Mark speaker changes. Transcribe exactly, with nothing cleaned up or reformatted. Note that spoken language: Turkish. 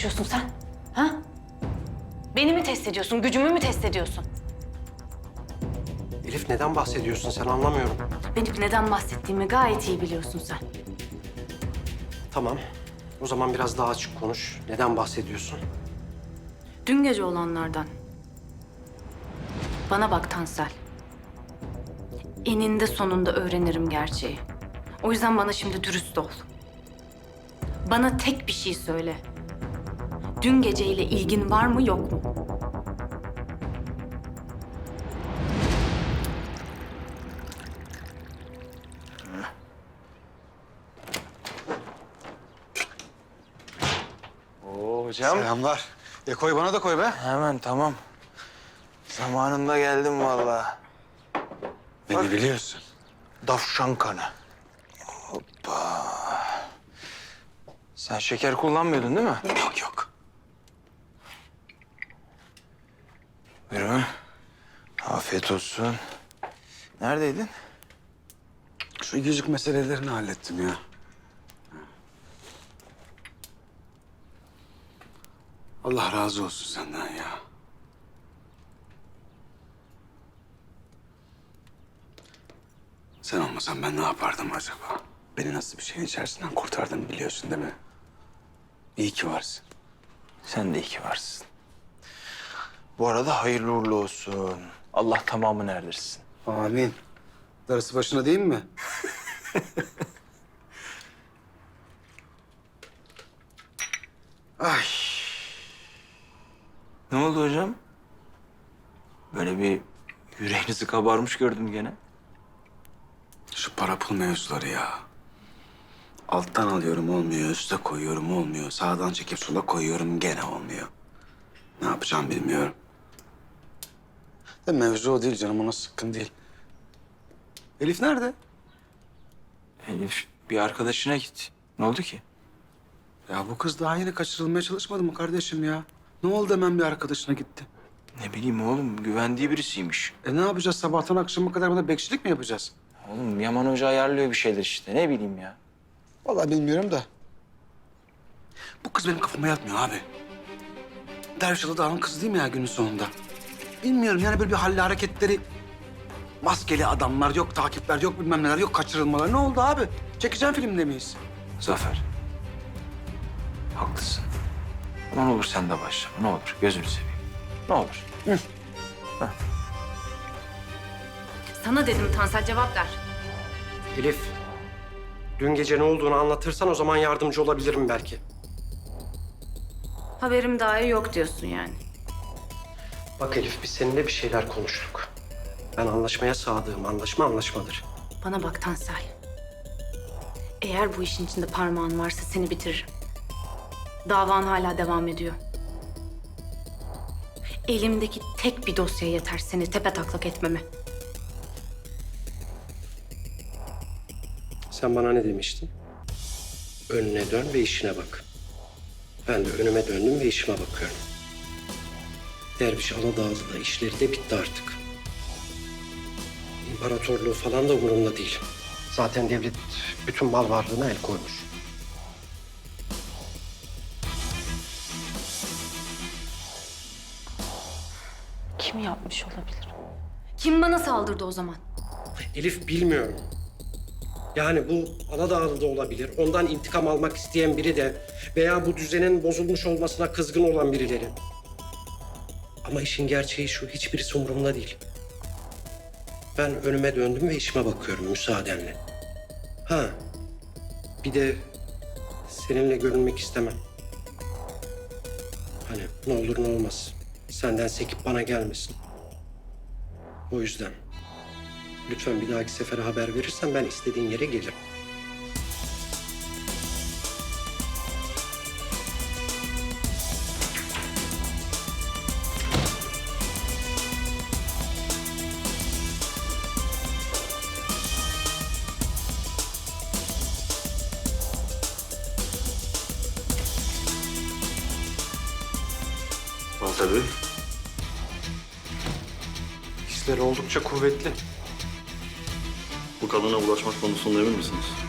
Speaker 1: çalışıyorsun sen? Ha? Beni mi test ediyorsun, gücümü mü test ediyorsun?
Speaker 2: Elif neden bahsediyorsun sen anlamıyorum.
Speaker 1: Benim neden bahsettiğimi gayet iyi biliyorsun sen.
Speaker 2: Tamam. O zaman biraz daha açık konuş. Neden bahsediyorsun?
Speaker 1: Dün gece olanlardan. Bana bak Tansel. Eninde sonunda öğrenirim gerçeği. O yüzden bana şimdi dürüst ol. Bana tek bir şey söyle. Dün geceyle ilgin var mı yok mu?
Speaker 3: Oo hocam.
Speaker 4: Selamlar. E koy bana da koy be.
Speaker 3: Hemen tamam. Zamanında geldim vallahi.
Speaker 4: Beni
Speaker 3: Bak.
Speaker 4: biliyorsun.
Speaker 3: Davşan kanı. Hoppa. Sen şeker kullanmıyordun değil mi?
Speaker 4: Yok yok.
Speaker 3: Buyurun. Afiyet olsun. Neredeydin?
Speaker 4: Şu yüzük meselelerini hallettim ya. Allah razı olsun senden ya. Sen olmasan ben ne yapardım acaba? Beni nasıl bir şeyin içerisinden kurtardın biliyorsun değil mi? İyi ki varsın.
Speaker 3: Sen de iyi ki varsın. Bu arada hayırlı uğurlu olsun. Allah tamamını erdirsin.
Speaker 4: Amin. Darısı başına değil mi? Ay.
Speaker 3: Ne oldu hocam? Böyle bir yüreğinizi kabarmış gördüm gene.
Speaker 4: Şu para pul mevzuları ya. Alttan alıyorum olmuyor, üste koyuyorum olmuyor. Sağdan çekip sola koyuyorum gene olmuyor. Ne yapacağım bilmiyorum. De mevzu o değil canım, ona sıkkın değil. Elif nerede?
Speaker 3: Elif bir arkadaşına git. Ne oldu ki?
Speaker 4: Ya bu kız daha yeni kaçırılmaya çalışmadı mı kardeşim ya? Ne oldu hemen bir arkadaşına gitti?
Speaker 3: Ne bileyim oğlum, güvendiği birisiymiş.
Speaker 4: E ne yapacağız, sabahtan akşama kadar bana bekçilik mi yapacağız?
Speaker 3: Oğlum Yaman Hoca ayarlıyor bir şeyler işte. Ne bileyim ya.
Speaker 4: Vallahi bilmiyorum da. Bu kız benim kafama yatmıyor abi. Dervişalı Dağ'ın kızı değil mi ya günün sonunda? Bilmiyorum yani böyle bir halle hareketleri... Maskeli adamlar, yok takipler, yok bilmem neler, yok kaçırılmalar. Ne oldu abi? Çekeceğim filmde miyiz?
Speaker 3: Zafer. Haklısın. Ama ne olur sen de başla. Ne olur gözünü seveyim. Ne olur.
Speaker 1: Sana dedim Tansel, cevap ver.
Speaker 2: Elif, dün gece ne olduğunu anlatırsan o zaman yardımcı olabilirim belki.
Speaker 1: Haberim dahi yok diyorsun yani.
Speaker 2: Bak Elif, biz seninle bir şeyler konuştuk. Ben anlaşmaya sadığım, anlaşma anlaşmadır.
Speaker 1: Bana bak Tansel. Eğer bu işin içinde parmağın varsa seni bitiririm. Davan hala devam ediyor. Elimdeki tek bir dosya yeter seni tepetaklak etmeme.
Speaker 2: Sen bana ne demiştin? Önüne dön ve işine bak. Ben de önüme döndüm ve işime bakıyorum. Derviş Aladağlı da işleri de bitti artık. İmparatorluğu falan da umurumda değil. Zaten devlet bütün mal varlığına el koymuş.
Speaker 1: Kim yapmış olabilir? Kim bana saldırdı o zaman?
Speaker 2: Elif bilmiyorum. Yani bu Aladağlı da olabilir. Ondan intikam almak isteyen biri de veya bu düzenin bozulmuş olmasına kızgın olan birileri. Ama işin gerçeği şu, hiçbirisi umurumda değil. Ben önüme döndüm ve işime bakıyorum müsaadenle. Ha, bir de seninle görünmek istemem. Hani ne olur ne olmaz. Senden sekip bana gelmesin. O yüzden lütfen bir dahaki sefere haber verirsen ben istediğin yere gelirim.
Speaker 4: Al tabii.
Speaker 2: Hisleri oldukça kuvvetli.
Speaker 5: Bu kadına ulaşmak konusunda emin misiniz?